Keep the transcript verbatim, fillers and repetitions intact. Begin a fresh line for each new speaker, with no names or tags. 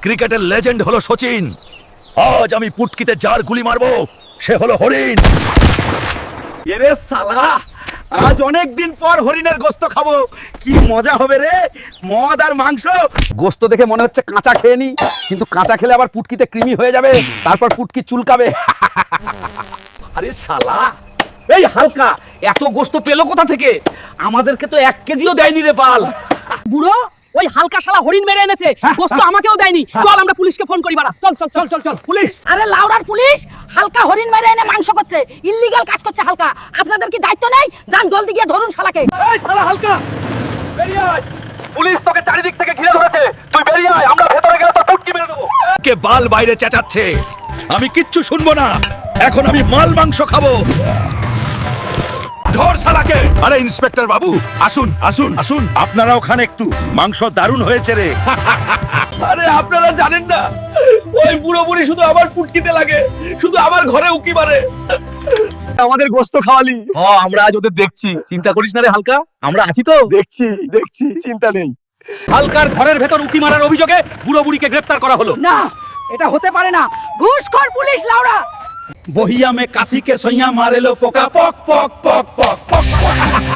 ক্রিকেটের লেজেন্ড হলো সচিন, আজ আমি পুটকিতে যার গুলি মারবো সে হলো হরিণ।
এরে শালা, আজ অনেক দিন পর হরিণের গোস্ত খাবো, কি মজা হবে রে। মদ আর মাংস, গোস্ত দেখে মনে হচ্ছে কাঁচা খেয়ে নি, কিন্তু কাঁচা খেলে আবার পুটকিতে কৃমি হয়ে যাবে, তারপর পুটকি চুলকাবে। আরে শালা, এই হালকা এত গোস্ত পেলো কোথা থেকে? আমাদেরকে তো এক কেজিও দেয়নি রে বাল।
বুড়ো, ওই হালকা শালা হরিণ মেরে এনেছে, গোস্ত আমাকেও দেয়নি। চল আমরা পুলিশকে ফোন করি বাড়া। চল চল চল চল চল পুলিশ।
আরে লাউডার পুলিশ, হালকা হরিণ মেরে এনে মাংস করছে, ইল্লিগাল কাজ করছে হালকা। আপনাদের কি দায়িত্ব নেই? যান জলদি গিয়ে ধরুন শালাকে।
এই শালা হালকা, বেরিয়ে আয়। পুলিশ তোকে চারিদিক থেকে ঘিরে ধরেছে, তুই বেরিয়ে আয়, আমরা ভেতরে গেলে তো পুটকি মেরে দেবো।
কে বাল বাইরে চেঁচাচ্ছে, আমি কিচ্ছু শুনবো না। এখন আমি মাল মাংস খাবো। ধর শালাকে। আরে ইন্সপেক্টর বাবু, আসুন আসুন আসুন, আপনারা ওখানে একটু, মাংস দারুণ হয়েছে রে।
আরে আপনারা জানেন না, ওই বুড়ো বুড়ি শুধু আমার পুটকিতে লাগে, শুধু আমার ঘরে উকি মারে। আমাদের গোস্ত খাওয়ালি। ও, আমরা আজ ওদের দেখছি, চিন্তা করিস না রে হালকা, আমরা আছি তো। দেখছি দেখছি, চিন্তা নেই। হালকার ঘরের ভেতর উকি মারার অভিযোগে বুড়ো বুড়িকে গ্রেফতার করা হলো।
না, এটা হতে পারে না। ঘুষখোর পুলিশ লাউড়া।
বহিয়া মে কাশি কে সইয়া মারেলো পোকা, পক পক পক পক পক।